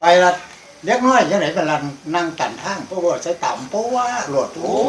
ไปละเล็กน้อยยังไหนเป็นลันนั่งกันทางเพราะว่าใช้ต่ำเพราะว่าโหลดโอ้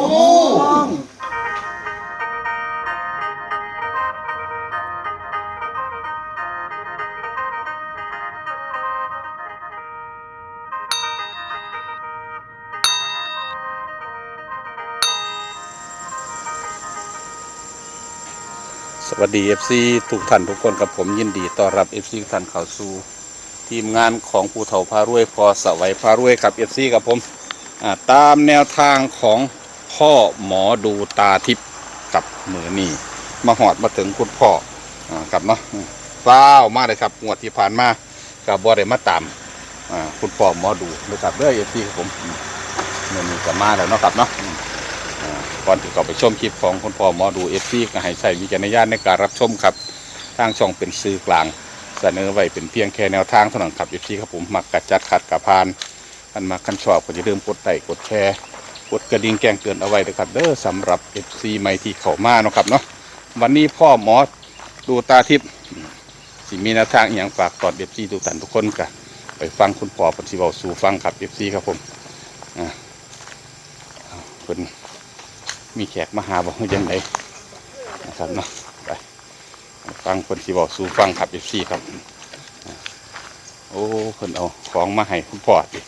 สวัสดี FC ทุกท่านทุกคนกับผมยินดีต้อนรับ FC ทุกท่านเข้าสู่ทีมงานของภูเถาพารวยพอสวัยพารวยกับ FC กับผมตามแนวทางของพ่อหมอดูตาทิพย์กับมือนี่มาหอดมาถึงคุณพ่อกับเนาะฟ้าวมากเลยครับงวดที่ผ่านมากับบ่ได้มาตามคุณพ่อหมอดูนะครับเด้อ FC ครับผมมือนี้ก็มาแล้วเนาะครับเนาะก่อนที่เราไปชมคลิปของคุณพ่อหมอดูFC ก็ให้ใช้วิจารณญาณในการรับชมครับทางช่องเป็นสื่อกลางเสนอไว้เป็นเพียงแค่แนวทางเท่านั้นครับ FC ครับผมมักกัดจัดขัดกับพานกันมาคันชอบก็อย่าลืมกดไลค์กดแชร์กดกระดิ่งแจ้งเตือนเอาไว้นะครับเด้อสำหรับ FC ใหม่ที่เข้ามาเนาะครับเนาะวันนี้พ่อหมอดูตาทิพย์สิมีแนวทางอย่างฝากตอน FC ทุกท่านทุกคนกันไปฟังคุณพ่อปฏิบัติสู่ฟังครับ FC ครับผมเพิ่นมีแขกมาหาบอกว่ายังไงนะครับเนาะไปฟังคนที่บอกสู่ฟังขับเอฟซีครับโอ้คนเอาของมาให้คุณพ่อดิ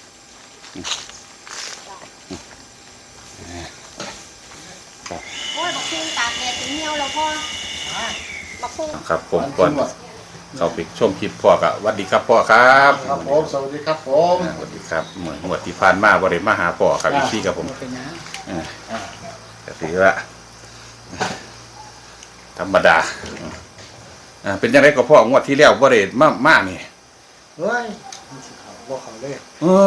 โอ้ยบักพุ่งตากแดดถึงเหี่ยวแล้วพ่อบักพุ่งครับผมก่อนเขาไปชมคลิปพ่อกับสวัสดีครับพ่อครับครับผมสวัสดีครับผมสวัสดีครับเหมือนหมวดที่ผ่านมาบริมาหาพ่อครับเอฟซีครับผมก็ถือว่าธรรมดาเป็นยังไงก็พ่องวดที่แล้วบริมากนี่เฮ้ยเขาบอกเขาเลย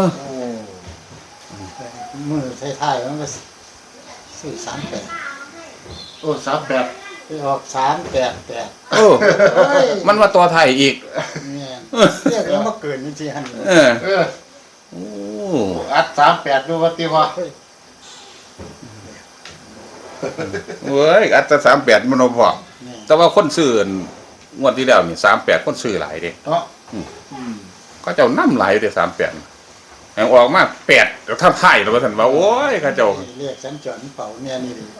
มือท้ายๆมันก็ซื้อ38 โอ้38 ไปออก388 มันว่าตัวไทยอีกเนี่ยเรียกแล้วมาเกินจริงๆฮันโอ้อัด38ดูว่าติว่าเว้ยอัตรา38มันพอแต่ว่าคนซื้องวดที่แล้วนี่38คนซื้อหลายเด้เนาะก็เจ้าน้ำไหลเด้38แห่งออกมา8แล้วถ้าไพ่แล้วว่าท่านว่าโอ้ยเขาเจ้าเรียกสัญจรเป่าเนี่ยนี่ดิ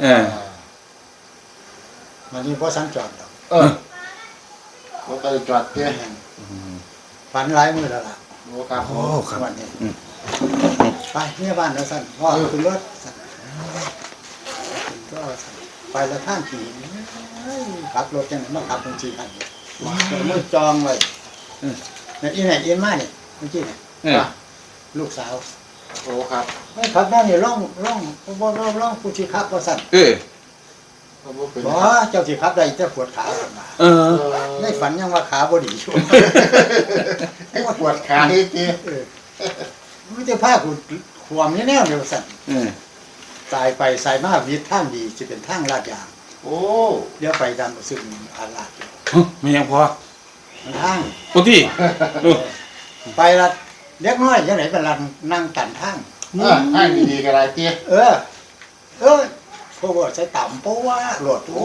มันนี่เพราะสัญจรดอกบ่ไปจอดเด้ฝันหลายมื้อแล้วล่ะโอ้ครับโอ้ครับวันนี้ไปเนี่ยบ้านแล้วสั่นพ่อขึ้นรถสั่นก็ไปละท่านขี่ขับรถยังไงมาขับจริงๆอันนี้มือจองเลยเนี่ยอีไหนอีมาเนี่ยเมื่อกี้เนี่ยลูกสาวโอ้ครับไม่ขับได้เนี่ยร่องผู้ที่ขับก็สั่นบ่เจ้าที่ขับได้จะปวดขาขึ้นมาในฝันยังว่าขาบดีอยู่ปวดขาอีกทีไม่จะพากูขวมแน่ๆเดี๋ยวสั่นสายไปสายมาวิทย์ทางดีจะเป็นทางลาดยางโอ้เดี๋ยวไปตามซึ่งอาลาดไม่ยังพอทางปกติไปละเล็กน้อยยังไหนเป็นลันนั่งกันทางทางดีๆก็ได้ติเพราะว่าใช้ต่ำเพราะว่าโหลดโอ้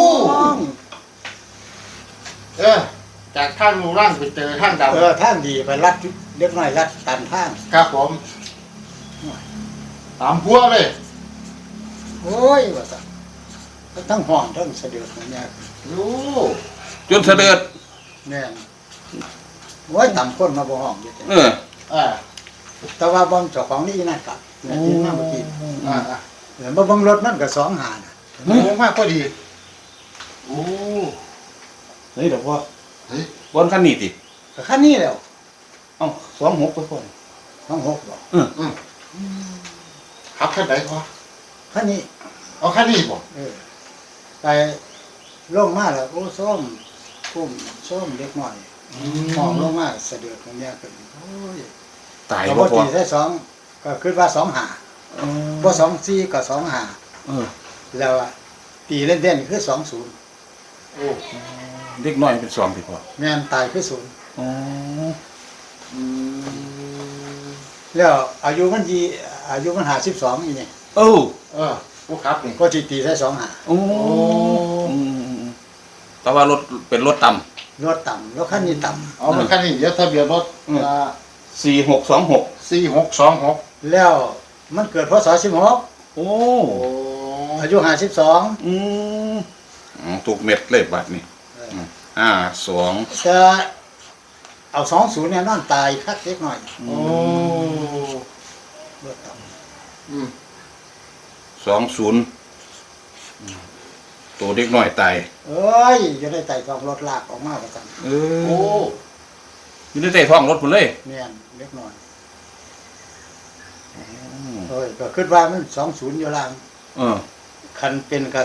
จากทางลูล่างไปเจอทางดำทางดีไปลัดเล็กน้อยลัดตันทางครับผมตามพัวเลยโอ้ยว่าสั่นทั้งห้องทั้งเสด็จเนี่ยจนเสด็จเนี่ยโอ้ยต่ำคนมาบ่ห้องอยู่แต่ว่าบอมเจ้าของนี่นั่นกับนี่นั่นเมื่อกี้บ่บังรถนั่นก็2 หาน่ะมากพอดีโอ้เฮ้ยเดี๋ยวพ่อเฮ้ยบนคันนี้ติคันนี้แล้ว 26ไปพ่อ 26บ่ขับคันไหนพ่อคันนี้เอาคันนี้บ่ไปลงมาแล้วโอ้ส้มพุ่มส้มเล็กน้อยมองลงมาเสด็จตรงเนี้ยขึ้นโอ้ยตายบ่พอตีได้2ก็คิดว่า2 หาบ่24ก็2 หาแล้วตีเล่นๆคือ20 โอ้เด็กน้อยเป็น2ติพ่อแม่นตายคือ0แล้วอายุมัน52อีนี่ผู้ขับนี่ก็สิตีได้2 หาแต่ว่ารถเป็นรถต่ำรถต่ำรถคันนี้ต่ำมันคันนี้เดี๋ยวทะเบียนรถ 4626 4626 แล้วมันเกิดพศ16 โอ้โอ้อายุ52 อืมถูกเม็ดเลยบัดนี้52 จะเอา20เนี่ยนอนตายคักเล็กหน่อยโอ้เลือดต่อืม 20ตัวเด็กน้อยตายำเอ้ยจะได้ไต่ท้องรถลากออกมาประจันเอโอ้อยู่ในใต้ท้องรถพุ่นเลยแม่นเล็กน้อยเอ้ยก็คิดว่ามัน20อยู่ล่างเออคันเป็นกับ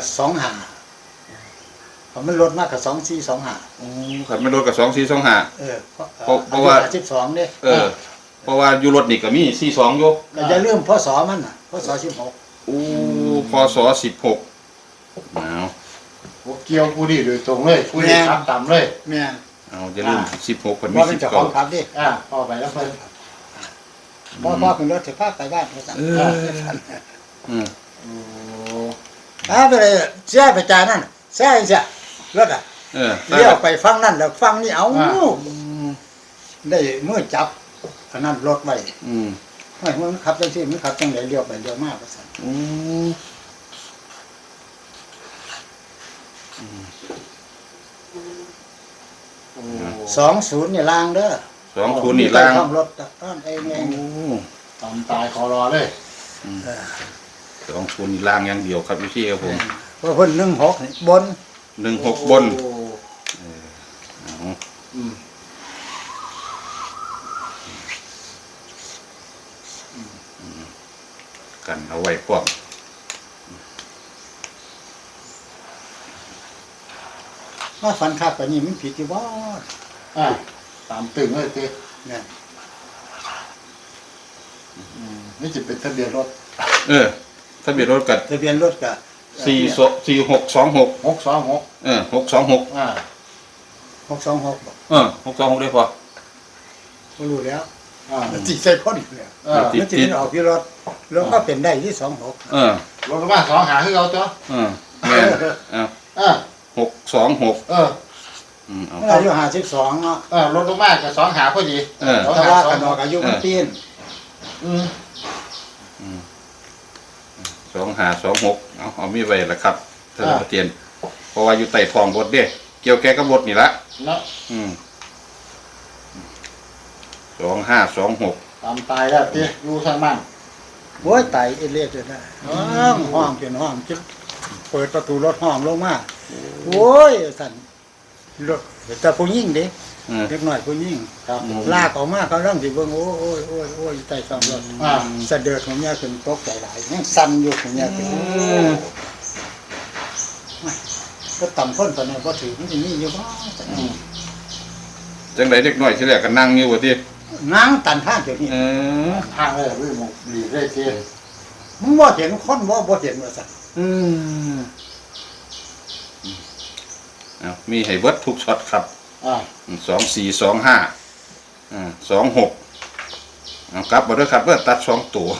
25พอมันลดมากกับ2425 โอ้ขับไม่รถกับ2425 เออเพราะว่า 12เนี่ยเออ เพราะว่าอยู่รถนี่ก็มี42อยู่ก็อย่าลืมพศมันน่ะพศ16 โอ้พศ16เอาโหเกี่ยวกูนี่โดยตรงเลยกูนี่ขับต่ำเลยแม่นเอาอย่าลืม16เพิ่นมีว่าเป็นเจ้าของขับดิพ่อไปแล้วเพิ่นพ่อขึ้นรถจะพาไปบ้านประจันเอออืมโอ้ไปเลยเสียไปจ่ายนั่นเสียเสียรถอ่ะเออเลี้ยวไปฟังนั่นแล้วฟังนี่เอาได้เมื่อจับอันนั้นรถไว้อืมไม่มันขับจังซี่มันขับจังไหนเลี้ยวไปเลี้ยวมาประจันอืมโอ้ 20นี่ล่างเด้อ 20นี่ล่างซ่อมรถต้นเองเองโอ้ต่ำตายขอรอเลย 20นี่ล่างอย่างเดียวครับพี่ครับผมเพราะเพิ่น16นี่บน 16บนโอ้เอาอืมกันเอาไว้พร้อมว่าฝันคักปานนี้มันผิดอยู่บ่ตามตึงเลยเต้เนี่ยนี่จะเป็นทะเบียนรถเออทะเบียนรถกับทะเบียนรถก็ 4626 626 เออ626 626บ่ 626ได้พอบ่รู้แล้วอ่ามันสิใส่คนอยู่แล้วติดมันสิมันออกที่รถแล้วก็เป็นได้ที่26 เออรถกระบะ2หาให้เราจ้ะเออแม่นเอา 626 เออเอามันอายุ52เนาะรถกระบะกับ2หาพอดีแต่ว่ากันออกอายุมันเปลี่ยน 2526เอามีไว้ละครับท่านประเตียนเพราะว่าอยู่ใต้ท้องรถเด้เกี่ยวแก่กับรถนี่ละเนาะ 2526 ตามตายแล้วเต้อยู่ทางบ้านโอ้ยตายเอเลียดเลยนะห้องเป็นห้องจึ๊บเปิดประตูรถห้องลงมาโอ้ยสั่นรถแต่ผู้หญิงเด้ เล็กน้อยผู้หญิงครับผมลากออกมาเขาร่างสิเบิ่งโอ้ยใต้ท้องรถสะเดือดของเมียขึ้นตกใจหลายยังสั่นอยู่ของเมียขึ้นก็ต่ำพ้นปานนี้บ่ถือมันสิมีอยู่บ่จังไดเด็กน้อยสิแรกก็นั่งอยู่ว่าตินางตันทางเดี๋ยวนี้ทางเลยวิ่งมองดีได้เต้มึงบ่เห็นคนบ่เห็นว่าซั่นเอามีให้เบิดทุกช็อตครับ 2425 26เอากลับมาด้วยครับเพื่อตัด2ตัว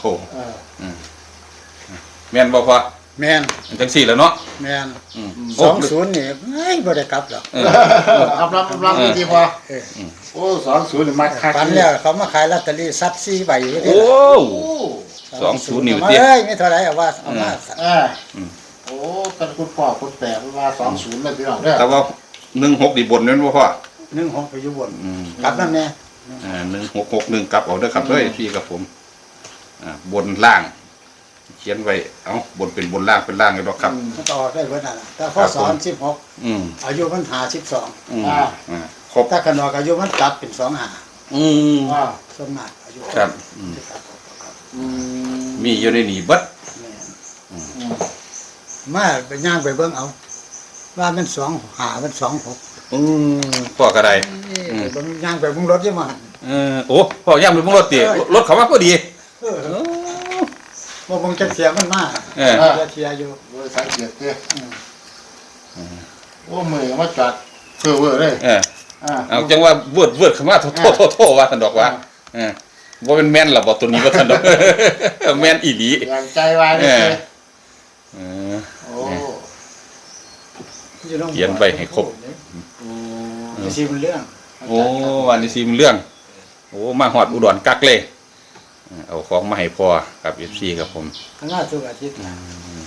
แม่นบ่พอแม่นจังซี่แหล้วเนาะแม่นโอ้ 20นี่บ่ได้กลับหรอกรับดีพอโอ้20นี่มาคักฝันแล้วเขามาขายลอตเตอรี่ซัด4ใบอยู่โอ้เด้อ 20นิ้วเอ้เตี้ยยไม่เท่าไหร่เอาว่าเอามาโอ้กันคุณพ่อคุณแปะว่า20เลยพี่น้องเด้อแต่ว่า16นี่บนแม่นบ่พ่อ 16ไปอยู่บนกลับนั่นแน่ 1661กลับเอาเด้อครับเด้อพี่กับผมบนล่าง เขียนไว้เอ้าบนเป็นบนล่างเป็นล่างเลยดอกครับมันต่อได้เบิดนั่นล่ะแต่พอสอน16อายุมัน52 ครบถ้าขนอกอายุมันกลับเป็น25ส่วนมากอายุครับมีอยู่ในนี่เบิดมาไปย่างไปเบิ่งเอาว่ามัน25มัน26 พ่อก็ได้เบิ่งย่างไปเบิ่งรถอยู่มาโอ้พ่อย่ำไปเบิ่งรถติรถเขามาพอดีบ่เบิ่งจักเสียมันมาเสียอยู่โดยสังเกตเด้โอ้มือมาจัดเพื่อเว้อเลยเอาจังว่าเวิร์ดเข้ามาโทษว่าท่านดอกว่าบ่เป็นแม่นล่ะบ่ตัวนี้ว่าท่านดอกแม่นอีหลีอย่างใจไว้เลยโอ้เขียนไปให้ครบสิมันเรื่องโอ้วันนี้สิมันเรื่องโอ้มาฮอดอุดรกักเลยเอาของมาให้พ่อกับ FC ครับผมข้างหน้าทุกอาทิตย์นะ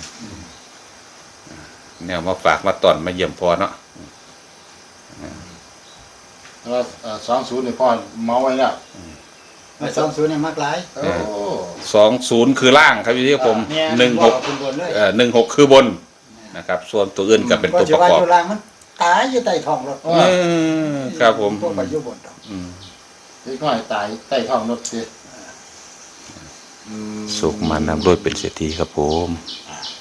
แนวมาฝากมาตอนมาเยี่ยมพ่อเนาะแล้ว20นี่พ่อเมาไว้แล้วมา20เนี่ยมากหลายโอ้ 20คือล่างครับพี่ผมเนี่ย 16 คุณบนเลย 16คือบนนะครับ ส่วนตัวอื่นก็เป็นตัวประกอบอยู่ล่างมันตายอยู่ใต้ท้องรถครับผมพวกไปอยู่บนดอกเด็กน้อยตายใต้ท้องรถสิสุขมานำด้วยเป็นเศรษฐีครับผมค